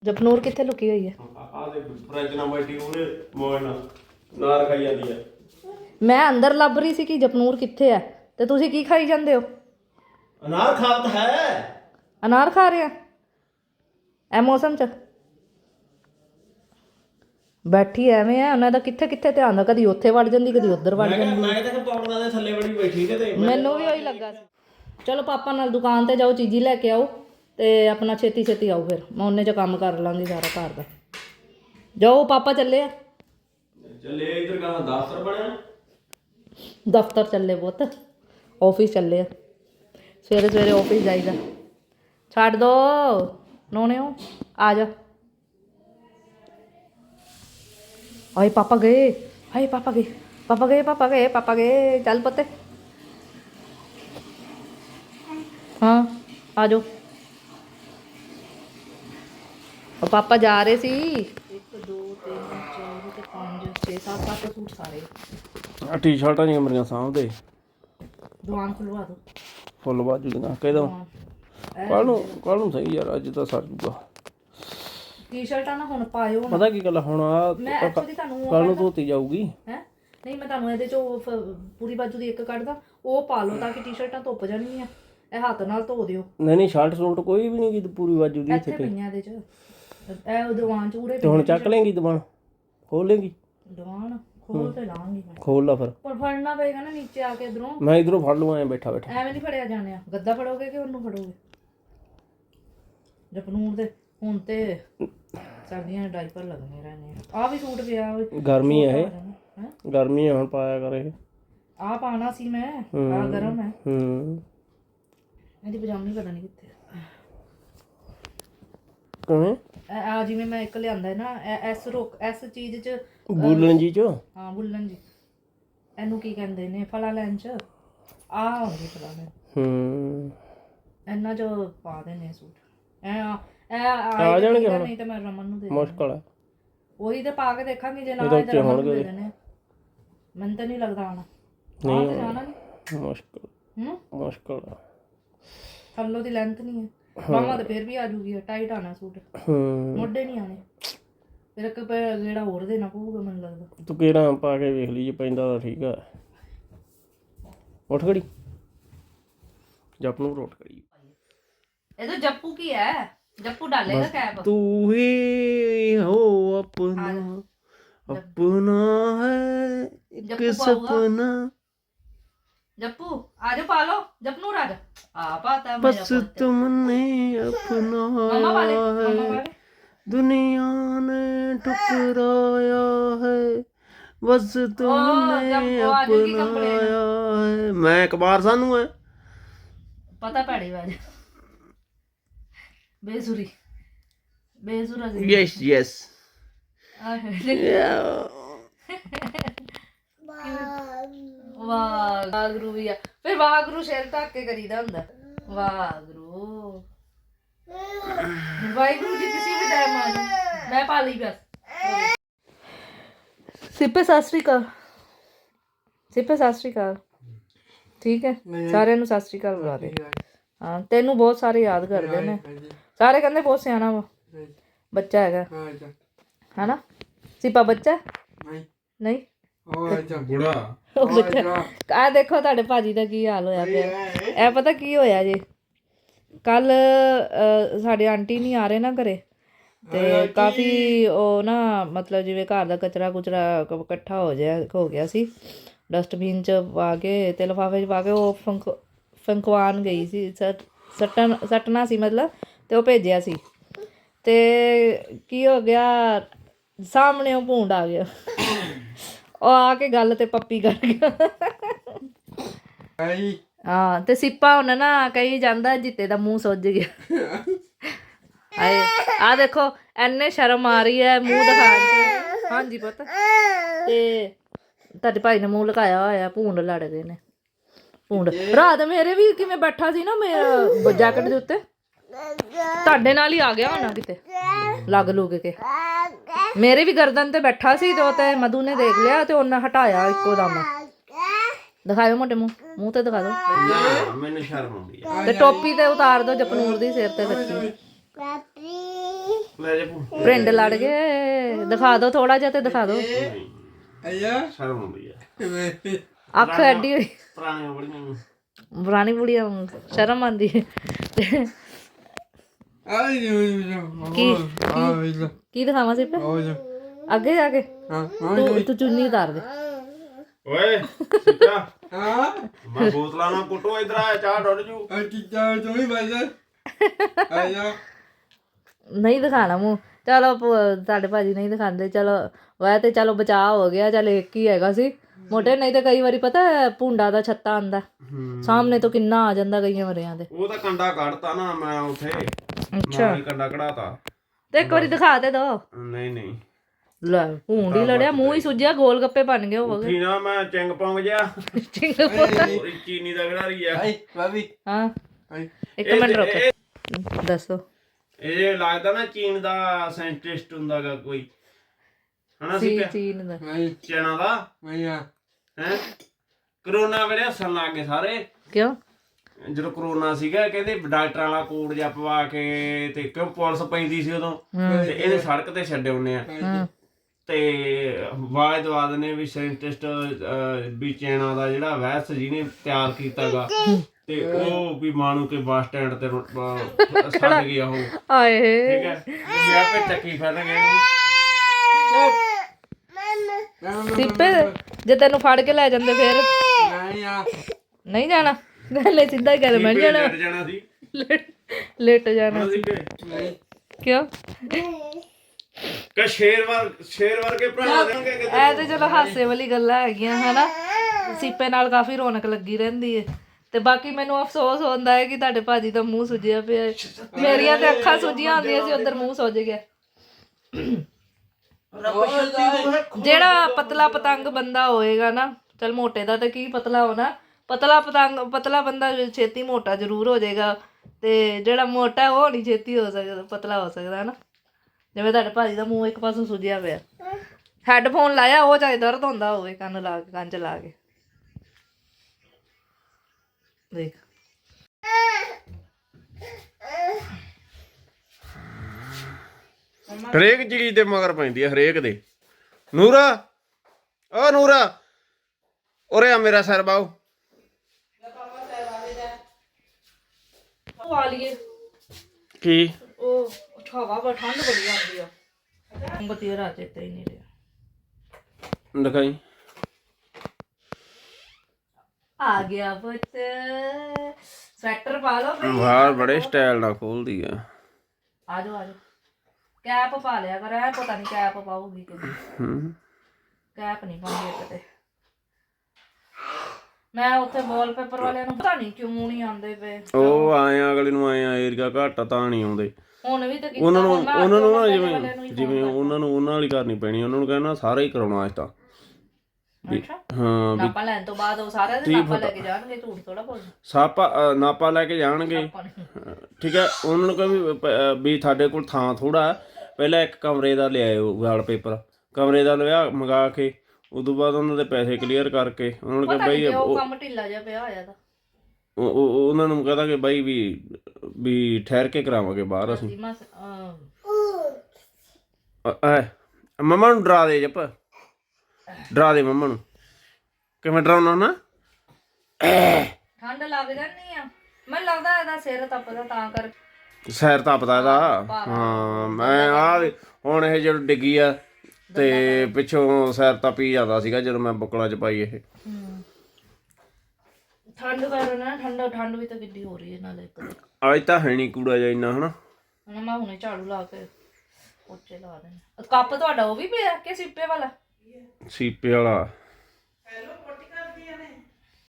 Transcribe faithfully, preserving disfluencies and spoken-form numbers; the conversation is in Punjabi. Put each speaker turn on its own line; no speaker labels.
ਜਪਨੂਰ ਕਿੱਥੇ ਲੁਕੀ ਹੋਈ ਹੈ?
ਆ ਦੇ ਫ੍ਰੈਂਚ ਨਾ ਬੈਠੀ ਉਹਨੇ ਮੋਇਨ ਨਾਰ ਖਾਈ ਜਾਂਦੀ ਹੈ।
ਮੈਂ ਅੰਦਰ ਲੱਭ ਰਹੀ ਸੀ ਕਿ ਜਪਨੂਰ ਕਿੱਥੇ ਹੈ ਤੇ ਤੁਸੀਂ ਕੀ ਖਾਈ ਜਾਂਦੇ ਹੋ?
ਅਨਾਰ ਖਾਤ ਹੈ।
ਅਨਾਰ ਖਾ ਰਹੇ ਆ ਇਹ ਮੌਸਮ 'ਚ? ਬੈਠੀ ਐਵੇਂ ਆ, ਉਹਨਾਂ ਦਾ ਕਿੱਥੇ ਕਿੱਥੇ ਧਿਆਨ ਦਾ, ਕਦੀ ਉੱਥੇ ਵੜ ਜਾਂਦੀ ਕਦੀ ਉੱਧਰ ਵੜ ਜਾਂਦੀ।
ਮੈਂ ਤਾਂ ਪੌੜਾਂ ਦੇ ਥੱਲੇ ਬੜੀ ਬੈਠੀ ਕਿਤੇ।
ਮੈਨੂੰ ਵੀ ਉਹੀ ਲੱਗਾ ਸੀ। ਚਲੋ ਪਾਪਾ ਨਾਲ ਦੁਕਾਨ ਤੇ ਜਾਓ, ਚੀਜ਼ੀ ਲੈ ਕੇ ਆਓ ਤੇ ਆਪਣਾ ਛੇਤੀ ਛੇਤੀ ਆਓ, ਫਿਰ ਮੈਂ ਉਹਨੇ 'ਚ ਕੰਮ ਕਰ ਲਾਂਗੀ ਸਾਰਾ ਘਰ ਦਾ। ਜਾਓ ਪਾਪਾ ਚੱਲੇ ਆ।
ਚੱਲੇ ਇੱਧਰ ਕਹਾਂ ਦਫ਼ਤਰ ਬਣਿਆ।
ਦਫ਼ਤਰ ਚੱਲੇ ਪੁੱਤ, ਆਫਿਸ ਚੱਲੇ ਆ। ਸਵੇਰੇ ਸਵੇਰੇ ਆਫਿਸ ਜਾਈਦਾ। ਛੱਡ ਦੋ ਨੋਣਿਓ, ਆ ਜਾ। ਹਾਏ ਪਾਪਾ ਗਏ, ਹਾਏ ਪਾਪਾ ਗਏ, ਪਾਪਾ ਗਏ, ਪਾਪਾ ਗਏ, ਪਾਪਾ ਗਏ। ਚੱਲ ਪੁੱਤ ਹਾਂ ਆ ਜਾਓ। ਉਹ ਪਾਪਾ ਜਾ ਰਹੇ ਸੀ। ਇੱਕ ਦੋ ਤਿੰਨ ਚਾਰ ਤੇ ਪੰਜ ਛੇ ਸੱਤ ਅੱਠ ਸੂਟ ਸਾਰੇ।
ਆ ਟੀ ਸ਼ਰਟਾਂ ਨਹੀਂ ਮੇਰੀਆਂ ਸਾਹਮਣੇ।
ਦੁਕਾਨ ਖੁਲਵਾ ਦੋ
ਫੁੱਲ ਬਾਜੂ ਦੀਆਂ ਕਹਿ ਕੱਲ ਨੂੰ ਕੱਲ ਨੂੰ ਸਹੀ ਯਾਰ, ਅੱਜ ਤਾਂ ਸਰ ਜੂਗਾ।
ਟੀ ਸ਼ਰਟਾਂ ਨਾ ਹੁਣ ਪਾਇਓ।
ਪਤਾ ਕੀ ਗੱਲ ਹੁਣ ਆ ਕੱਲ ਨੂੰ ਧੋਤੀ ਜਾਊਗੀ
ਹੈ। ਨਹੀਂ ਮੈਂ ਤੁਹਾਨੂੰ ਇਹਦੇ ਚੋਂ ਪੂਰੀ ਬਾਜੂ ਦੀ ਇੱਕ ਕੱਢਦਾ, ਉਹ ਪਾ ਲਓ ਤਾਂ ਕਿ ਟੀ ਸ਼ਰਟਾਂ ਧੁੱਪ ਜਾਣਗੀਆਂ। ਇਹ ਹੱਥ ਨਾਲ ਧੋ ਦਿਓ।
ਨਹੀਂ ਨਹੀਂ ਸ਼ਰਟ ਸੂਟ ਕੋਈ ਵੀ ਨਹੀਂ ਪੂਰੀ ਬਾਜੂ ਦੀ
ਇੱਥੇ ਪਈਆਂ ਇਹਦੇ 'ਚ। ਇਹ ਦੀਵਾਨ 'ਚ ਉਰੇ
ਤੇ ਹੁਣ ਚੱਕ ਲੇਂਗੀ ਦੀਵਾਨ, ਖੋਲ ਲੇਂਗੀ
ਦੀਵਾਨ? ਖੋਲ ਤੇ ਲਾਂਗੀ ਮੈਂ।
ਖੋਲ ਲਾ ਫਿਰ।
ਪਰ ਫੜਨਾ ਪਏਗਾ ਨਾ ਨੀਚੇ ਆ ਕੇ ਇਧਰੋਂ।
ਮੈਂ ਇਧਰੋਂ ਫੜ ਲਵਾਂ ਐ ਬੈਠਾ ਬੈਠਾ।
ਐਵੇਂ ਨਹੀਂ ਫੜਿਆ ਜਾਣਿਆ। ਗੱਦਾ ਫੜੋਗੇ ਕਿ ਉਹਨੂੰ ਫੜੋਗੇ? ਜਪਨੂਰ ਦੇ ਹੁਣ ਤੇ ਸਰਦੀਆਂ ਦੇ ਡਾਈਪਰ ਲੱਗਣੇ ਰਹਿਣੇ ਆ। ਵੀ ਸੂਟ ਪਿਆ
ਗਰਮੀ ਹੈ ਇਹ, ਗਰਮੀ ਹੈ ਹੁਣ ਪਾਇਆ ਕਰ ਇਹ।
ਆ ਪਾਣਾ ਸੀ ਮੈਂ, ਆ ਗਰਮ ਹੈ।
ਹੂੰ
ਇਹਦੀ ਪਜਾਮੀ ਪਤਾ ਨਹੀਂ ਕਿੱਥੇ
ਕਿਵੇਂ
ਆ। ਜਿਵੇਂ ਮੈਂ ਇੱਕ ਲਿਆਂਦਾ ਨਾ ਐਸ ਰੋਕ ਐਸ ਚੀਜ਼ 'ਚ
ਬੁੱਲਣ ਜੀ 'ਚ। ਹਾਂ
ਬੁੱਲਣ ਜੀ। ਇਹਨੂੰ ਕੀ ਕਹਿੰਦੇ ਨੇ? ਫਲਾ ਲੈਣ 'ਚ ਆ ਹੁੰਦੀ ਫਲਾ ਲੈਣ।
ਹੂੰ
ਇਹਨਾਂ 'ਚ ਪਾ ਦੇਣੇ ਸੂਟ। ਐ
ਆ ਜਾਣਗੇ ਹੁਣ।
ਨਹੀਂ ਤਾਂ ਮੈਂ ਰਮਨ ਨੂੰ ਦੇ
ਮੁਸ਼ਕਲ ਹੈ
ਉਹੀ ਤੇ ਪਾ ਕੇ ਦੇਖਾਂਗੇ। ਜੇ ਨਾ ਆਏ ਤਾਂ ਰਮਨ ਨੂੰ ਦੇ ਦੇਣੇ। ਮੈਨੂੰ ਤਾਂ ਨਹੀਂ ਲੱਗਦਾ ਆਣਾ।
ਨਹੀਂ
ਤੇ ਜਾਣਾ ਨਹੀਂ।
ਮੁਸ਼ਕਲ
ਹੂੰ
ਮੁਸ਼ਕਲ ਆ।
ਥੱਲੋਂ ਦੀ ਲੈਂਥ ਨਹੀਂ ਹੈ। ਮਾਮਾ ਤਾਂ ਫਿਰ ਵੀ ਆ ਜੂਗੀ। ਟਾਈਟ ਆਣਾ ਸੂਟ।
ਹੂੰ
ਮੋਢੇ ਨਹੀਂ ਆਣੇ। ਫਿਰ ਇੱਕ ਜਿਹੜਾ ਹੋਰ ਦੇਣਾ ਪਊਗਾ ਮੈਨੂੰ ਲੱਗਦਾ।
ਤੂੰ ਕਿਹੜਾ ਪਾ ਕੇ ਵੇਖ ਲਈ, ਜੇ ਪੈਂਦਾ ਤਾਂ ਠੀਕ ਆ। ਉੱਠ ਖੜੀ ਜੱਪ ਨੂੰ ਰੋਟ ਕਰੀ।
ਇਹ ਤਾਂ ਜੱਪੂ ਕੀ ਹੈ? ਜੱਪੂ ਡਾਲੇਗਾ ਕੈਪ।
ਤੂੰ ਹੀ ਹੋ ਆਪਣਾ अपना है एक सपना।
जप्पू आ जाओ, पा लो जपनूर आ जा। आ पाता
बस तुमने अपना है दुनिया ने ठुकराया है, बस तुमने अपनाया है। मैं कबार सानू है
पता पैड़ी बाज बेसुरी बेसुरा।
यस यस
वागरू भी आ। फिर वागरू सिर ढक के करीदा हुंदा। वागरू वागरू जी किसी भी टाइम आ जाओ। मैं पाली बस। सिपे सत श्री अकाल। सिपे सत श्री अकाल। ठीक है सारे नूं सत श्री अकाल बुला दे। हाँ तेनू बहुत सारे याद करते ने। सारे कहंदे बहुत सियाना वा बच्चा हैगा है ना। सिपा बच्चा नहीं नहीं
बुढ़ा।
आ देखो तुहाडे भाजी दा की हाल होया पिया। ਇਹ ਪਤਾ ਕੀ ਹੋਇਆ ਜੇ, ਕੱਲ ਸਾਡੇ ਆਂਟੀ ਨਹੀਂ ਆ ਰਹੇ ਨਾ ਘਰੇ ਤੇ ਕਾਫੀ ਉਹ ਨਾ ਮਤਲਬ ਜਿਵੇਂ ਘਰ ਦਾ ਕਚਰਾ ਕੁਚਰਾ ਇਕੱਠਾ ਹੋ ਜਾ ਹੋ ਗਿਆ ਸੀ। ਡਸਟਬਿਨ 'ਚ ਪਾ ਕੇ ਤੇ ਲਿਫਾਫੇ 'ਚ ਪਾ ਕੇ ਉਹ ਫੰਕ ਫੰਕਵਾਨ ਗਈ ਸੀ। ਸੱਟਣ ਸੱਟਣਾ ਸੀ ਮਤਲਬ, ਤੇ ਉਹ ਭੇਜਿਆ ਸੀ। ਤੇ ਕੀ ਹੋ ਗਿਆ, ਸਾਹਮਣੇ ਉਹ ਭੂੰਡ ਆ ਗਿਆ। ਉਹ ਆ ਕੇ ਗੱਲ ਤੇ ਪੱਪੀ ਕਰ ਗਿਆ। ਹਾਂ ਤੇ ਸਿੱਪਾ ਹੁਣ ਨਾ ਕਹੀ ਜਾਂਦਾ ਜਿੱਤੇ ਦਾ ਮੂੰਹ ਸੁੱਜ ਗਿਆ। ਹਾਏ ਆ ਦੇਖੋ ਐਨੇ ਸ਼ਰਮ ਆ ਰਹੀ ਹੈ ਮੂੰਹ ਦਿਖਾਉਣ 'ਚ। ਹਾਂਜੀ ਪੁੱਤ ਤੇ ਤੁਹਾਡੇ ਭਾਈ ਨੇ ਮੂੰਹ ਲੁਕਾਇਆ ਹੋਇਆ। ਭੂੰਡ ਲੜ ਗਏ ਨੇ ਭੂੰਡ। ਰਾਤ ਮੇਰੇ ਵੀ ਕਿਵੇਂ ਬੈਠਾ ਸੀ ਨਾ ਮੇਰਾ ਜੈਕਟ ਦੇ ਉੱਤੇ, ਤੁਹਾਡੇ ਨਾਲ ਹੀ ਆ ਗਿਆ ਹੋਣਾ ਕਿਤੇ ਲੱਗ ਲੁੱਗ ਕੇ। ਮੇਰੇ ਵੀ ਗਰਦਨ ਤੇ ਬੈਠਾ ਸੀ ਤੇ ਉਹ ਤੇ ਮਧੂ ਨੇ ਦੇਖ ਲਿਆ ਤੇ ਉਹਨੇ ਹਟਾਇਆ ਇੱਕੋ ਦਮ। ਦਿਖਾਇਓ ਮੋਟੇ ਮੂੰਹ ਮੂੰਹ ਤੇ ਦਿਖਾ ਦਿਓ।
ਮੈਨੂੰ ਸ਼ਰਮ ਆਉਂਦੀ ਹੈ।
ਤੇ ਟੋਪੀ ਤੇ ਉਤਾਰ ਦਿਓ ਜਪਨੂਰ ਦੀ ਸਿਰ ਤੇ ਰੱਖੀ।
ਲੈ ਜਾ ਭੂ
ਪ੍ਰਿੰਡ ਲੜ ਗਏ ਦਿਖਾ ਦਿਓ ਥੋੜਾ ਜਿਹਾ ਤੇ ਦਿਖਾ ਦਿਓ
ਆਇਆ
ਸ਼ਰਮ ਆਉਂਦੀ ਆ
ਅੱਖ ਐਡੀ ਹੋਈ
ਪੁਰਾਣੀਆਂ ਬੜੀਆਂ
ਪੁਰਾਣੀ ਬੁੜੀਆਂ ਵਾਂਗ ਸ਼ਰਮ ਆਂਦੀ ਹੈ ਤੇ
ਆਈ
ਕੀ ਕੀ ਦਿਖਾਵਾਂ ਸਿਰਫ ਅੱਗੇ ਜਾ ਕੇ ਤੂੰ ਤੂੰ ਚੁੰਨੀ ਉਤਾਰ ਦੇ
ਓਏ ਸਿੱਕਾ
ਹਾਂ
ਮੈਂ ਬੋਤਲਾਂ ਨਾਲ ਕੁੱਟੋ ਇਧਰ ਆ ਚਾਹ ਡੁੱਲ ਜੂ
ਆ ਚੀਜ਼ਾਂ ਤੋਂ ਹੀ ਬਾਜਾ ਆਇਆ
ਨਹੀਂ ਦਿਖਾਣਾ ਮੂੰਹ ਚਲੋ ਪ- ਤੁਹਾਡੇ ਭਾਜੀ ਨਹੀਂ ਦਿਖਾਉਂਦੇ ਚਲੋ ਵੈ ਤੇ ਚਲੋ ਬਚਾਅ ਹੋ ਗਿਆ ਚੱਲ ਇੱਕ ਹੀ ਹੈਗਾ ਸੀ ਮੋਟੇ ਨਹੀਂ ਤੇ ਕਈ ਵਾਰੀ ਪਤਾ ਹੈ ਭੁੰਡਾ ਦਾ ਛੱਤਾ ਆਂਦਾ ਸਾਹਮਣੇ ਤੋਂ ਕਿੰਨਾ ਆ ਜਾਂਦਾ ਕਈਆਂ ਵਰਿਆਂ ਦੇ
ਉਹ ਤਾਂ ਕੰਡਾ ਕੱਢਤਾ ਨਾ ਮੈਂ ਉੱਥੇ
ਅੱਛਾ
ਮੈਂ ਹੀ ਕੰਡਾ ਕਢਾਤਾ
ਤੇ ਇੱਕ ਵਾਰੀ ਦਿਖਾ ਤੇ ਦੋ
ਨਹੀਂ ਨਹੀਂ
ਲੈ ਭੂੰਡ ਹੀ ਲੜਿਆ ਮੂੰਹ ਹੀ ਸੁੱਜਿਆ ਗੋਲ ਗੱਪੇ ਬਣ ਗਏ ਹੋਵੋਗੇ
ਉੱਠੀ ਨਾ ਮੈਂ ਚਿੰਗ ਪੌਂਗ ਜਿਆ
ਚਿੰਗਪੁਰ
ਚੀਨੀ ਦਾ ਖਿਡਾਰੀ ਆ
ਆਈ ਬਾਬੀ
ਹਾਂ
ਆਈ
ਇੱਕ ਮਿੰਟ ਰੁਕ ਦੱਸੋ
ਇਹ ਜੇ ਲੱਗਦਾ ਨਾ ਚੀਨ ਦਾ ਸਾਇੰਟਿਸਟ ਹੁੰਦਾਗਾ ਕੋਈ ਹਨਾ ਸੀ
ਚੀ ਚੀਨ ਦਾ
ਆਈ
ਚੈਨਾ ਦਾ
ਆਇਆ
ਹੈ ਕਰੋਨਾ ਵੇਲੇ ਹੱਸਣ ਲੱਗ ਗਏ ਸਾਰੇ
ਕਿਉਂ
ਜਦੋਂ ਕਰੋਨਾ ਸੀਗਾ ਕਹਿੰਦੇ ਡਾਕਟਰਾਂ ਵਾਲਾ ਕੋਡ ਜਿਹਾ ਪਵਾ ਕੇ ਤੇ ਕਿਉਂ ਪੁਲਿਸ ਪੈਂਦੀ ਸੀ ਉਦੋਂ ਤੇ ਇਹਨੇ ਸੜਕ ਤੇ ਛੱਡੇ ਹੁੰਨੇ ਆ
ਹਾਂ
ਤੇ ਆਵਾਜ਼ ਦਵਾ ਦਿੰਦੇ ਵੀ ਸਾਇੰਟਿਸਟ ਵੀ ਚੈਨਾ ਦਾ ਜਿਹੜਾ ਵਾਇਰਸ ਜਿਹਨੇ ਤਿਆਰ ਕੀਤਾਗਾ ਤੇ ਉਹ ਵੀ ਮਾਣੂ ਕੇ ਬੱਸ ਸਟੈਂਡ ਤੇ ਰੁ- ਅਹ ਛੱਡ ਗਿਆ ਉਹ ਠੀਕ
ਆਏ
ਹੈ ਵੀ ਆਪੇ ਚੱਕੀ ਫੜਨਗੇ
ਸਿੱਪੇ ਜੇ ਤੈਨੂੰ ਫੜ ਕੇ ਲੈ ਜਾਂਦੇ ਫੇਰ
ਨਹੀਂ ਆ
ਨਹੀਂ ਜਾਣਾ ਲੈ ਸਿੱਧਾ ਹੀ ਕਰ ਮੈਂ ਜਾਣਾ
ਲੜ ਜਾਣਾ ਸੀ
ਲੇਟ ਜਾਣਾ
ਸੀ ਕਿ
ਨਹੀਂ
ਕਿਉਂ
ਕਿ ਸ਼ੇਰ ਵਰ ਸ਼ੇਰ ਵਰਗੇ ਭਰਾ ਦੇਣਗੇ ਕਿਤੇ
ਐ ਤੇ ਚਲੋ ਹਾਸੇ ਵਾਲੀ ਗੱਲਾਂ ਹੈਗੀਆਂ ਹਨਾ ਸਿੱਪੇ ਨਾਲ ਕਾਫੀ ਰੌਣਕ ਲੱਗੀ ਰਹਿੰਦੀ ਹੈ ਤੇ ਬਾਕੀ ਮੈਨੂੰ ਅਫਸੋਸ ਹੁੰਦਾ ਹੈ ਕਿ ਤੁਹਾਡੇ ਭਾਜੀ ਦਾ ਮੂੰਹ ਸੁੱਜਿਆ ਪਿਆ ਹੈ। ਮੇਰੀਆਂ ਤੇ ਅੱਖਾਂ ਸੁੱਜੀਆਂ ਹੁੰਦੀਆਂ ਸੀ ਉਧਰ ਮੂੰਹ ਸੁੱਜ ਗਿਆ ਜਿਹੜਾ ਪਤਲਾ ਪਤੰਗ ਬੰਦਾ ਹੋਏਗਾ ਨਾ ਚਲ ਮੋਟੇ ਦਾ ਤਾਂ ਕੀ ਪਤਲਾ ਹੋਣਾ ਪਤਲਾ ਪਤੰਗ ਪਤਲਾ ਬੰਦਾ ਛੇਤੀ ਮੋਟਾ ਜ਼ਰੂਰ ਹੋ ਜਾਏਗਾ ਤੇ ਜਿਹੜਾ ਮੋਟਾ ਉਹ ਨਹੀਂ ਛੇਤੀ ਹੋ ਸਕਦਾ ਪਤਲਾ ਹੋ ਸਕਦਾ ਨਾ ਜਿਵੇਂ ਤੁਹਾਡੇ ਭਾਜੀ ਦਾ ਮੂੰਹ ਇੱਕ ਪਾਸੋਂ ਸੁੱਜਿਆ ਪਿਆ ਹੈੱਡਫੋਨ ਲਾਇਆ ਉਹ ਚਾਹੇ ਦਰਦ ਹੁੰਦਾ ਹੋਵੇ ਕੰਨ ਲਾ ਕੇ ਕੰਨ ਚ ਲਾ ਕੇ ਦੇਖ
ਹਰੇਕ ਚੀਜ਼ ਤੇ ਮਗਰ ਪੈਂਦੀ ਹੈ ਹਰੇਕ ਦੇ ਨੂਰਾ ਓ ਨੂਰਾ ਉਰੇ ਆ ਮੇਰਾ ਸਿਰ ਬਾਉ
ਉਹ ਆ ਲਈਏ
ਕੀ
ਉਹ ਹਵਾ ਬੜਾ ਠੰਡ ਬੜੀ ਆਉਂਦੀ ਆ ਬੱਤੀ ਰਾਤ ਚੇਤੇ ਹੀ ਨਹੀਂ ਰਿਹਾ
ਦਿਖਾਈ
ਆ ਗਿਆ ਪੁੱਤ ਸਵੈਟਰ ਪਾ ਲਓ ਭਈ
ਬਾਹਰ ਬੜੇ ਸਟਾਈਲ ਨਾਲ ਖੋਲਦੀ ਆ
ਆ ਜਾਓ ਆ ਜਾਓ ਕੈਪ ਪਾ ਲਿਆ ਕਰ ਐ ਪਤਾ ਨਹੀਂ ਕੈਪ ਪਾਉਗੀ ਕਿ
ਹੂੰ
ਕੈਪ ਨਹੀਂ ਪਾਉਂਦੀ ਇੱਕ ਤੇ ਮੈਂ ਉੱਥੇ ਵਾਲਪੇਪਰ ਵਾਲਿਆਂ ਨੂੰ ਪਤਾ ਨਹੀਂ ਕਿਉਂ ਨਹੀਂ ਆਉਂਦੇ ਪਏ
ਉਹ ਆਏ ਆ ਅਗਲੇ ਨੂੰ ਆਏ ਆ ਏਰੀਆ ਘੱਟ ਆ ਤਾਂ ਨਹੀਂ ਆਉਂਦੇ
ਹੁਣ ਵੀ ਤਾਂ ਕੀਤਾ
ਉਹਨਾਂ ਨੂੰ
ਹੁਣ ਮੈਂ
ਉਹਨਾਂ ਨੂੰ ਨਾ
ਵਾਲਿਆਂ
ਜਿਵੇਂ
ਨੂੰ ਹੀ
ਜਿਵੇਂ ਉਹਨਾਂ ਨੂੰ ਉਹਨਾਂ ਵਾਲੀ ਕਰਨੀ ਪੈਣੀ ਉਹਨਾਂ ਨੂੰ ਕਹਿਣਾ ਸਾਰਾ ਹੀ ਕਰਾਉਣਾ ਅੱਜ ਤਾਂ
ਅੱਛਾ
ਹਾਂ ਵੀ
ਨਾਪਾ ਲੈਣ ਤੋਂ ਬਾਅਦ ਉਹ ਸਾਰਿਆਂ ਦੇ ਨਾਪਾ ਲੈ ਕੇ ਜਾਣਗੇ ਝੂਠ ਥੋੜਾ ਬੋਲ
ਸਾਪਾ ਅ, ਨਾਪਾ ਲੈ ਕੇ ਜਾਣਗੇ
ਆਪਾਂ ਨੇ
ਠੀਕ ਹੈ ਉਹਨਾਂ ਨੂੰ ਕਹੇ ਵੀ ਪ- ਅ, ਵੀ ਤੁਹਾਡੇ ਕੋਲ ਥਾਂ ਥੋੜਾ ਪਹਿਲਾਂ ਇੱਕ ਕਮਰੇ ਦਾ ਲਿਆਇਓ ਵਾਲਪੇਪਰ ਕਮਰੇ ਦਾ ਲਿਆ ਮੰਗਾ ਕੇ ਉਦੋਂ ਬਾਅਦ ਉਹਨਾਂ ਦੇ ਪੈਸੇ ਕਲੀਅਰ ਕਰਕੇ ਉਹਨਾਂ ਨੂੰ ਕਹੇ
ਪਤਾ
ਬਈ
ਨਹੀਂ ਉਹ
ਉਹ-
ਕੰਮ ਢਿੱਲਾ ਜਿਹਾ ਪਿਆ ਹੋਇਆ ਤਾਂ
ਉਹ- ਉਹ- ਉਹਨਾਂ ਨੂੰ ਕਹਦਾ ਕਿ ਬਾਈ ਵੀ ਵੀ ਠਹਿਰ ਕੇ ਕਰਾਵਾਂਗੇ ਬਾਹਰ ਅਸੀਂ
ਸੀਮਾ ਅਹ,
ਅ- ਐ ਮੰਮਾ ਨੂੰ ਡਰਾ ਦੇ ਜੱਪ ਡਰਾ ਦੇ ਮੰਮਾ ਨੂੰ ਕਿਵੇਂ ਡਰਾਉਣਾ ਨਾ
ਠੰਡ ਲੱਗ ਜਾਂਦੀ ਆ ਮੈਨੂੰ ਲੱਗਦਾ ਇਹਦਾ ਸਿਰ ਤਪਦਾ ਤਾਂ ਕਰ
ਸੈਰ ਤਪਦਾ ਇਹਦਾ ਹਾਂ ਮੈਂ ਆ ਹੁਣ ਇਹ ਜਦੋਂ ਡਿੱਗੀ ਆ ਤੇ ਪਿੱਛੋਂ ਸੈਰ ਤਪੀ ਜਾਂਦਾ ਸੀਗਾ ਜਦੋਂ ਮੈਂ ਬੁੱਕਲਾਂ ਚ ਪਾਈ ਇਹ
ਠੰਡ ਕਾਰਨ ਨਾ ਠੰਡ ਠੰਡ ਵੀ ਤਾਂ ਕਿੱਡੀ ਹੋ ਰਹੀ ਹੈ ਨਾਲੇ ਇੱਕ ਦਿਨ
ਅੱਜ ਤਾਂ ਹੈ ਨਹੀਂ ਕੂੜਾ ਜਿਹਾ ਇੰਨਾ ਹਨਾ
ਹੁਣ ਮੈਂ ਹੁਣੇ ਝਾੜੂ ਲਾ ਕੇ ਪੋਚੇ ਲਾ ਦੇਣੇ ਕੱਪ ਤੁਹਾਡਾ ਉਹ ਵੀ ਪਿਆ ਕਿ ਸਿੱਪੇ ਵਾਲਾ
ਸੀਪੇ ਵਾਲਾ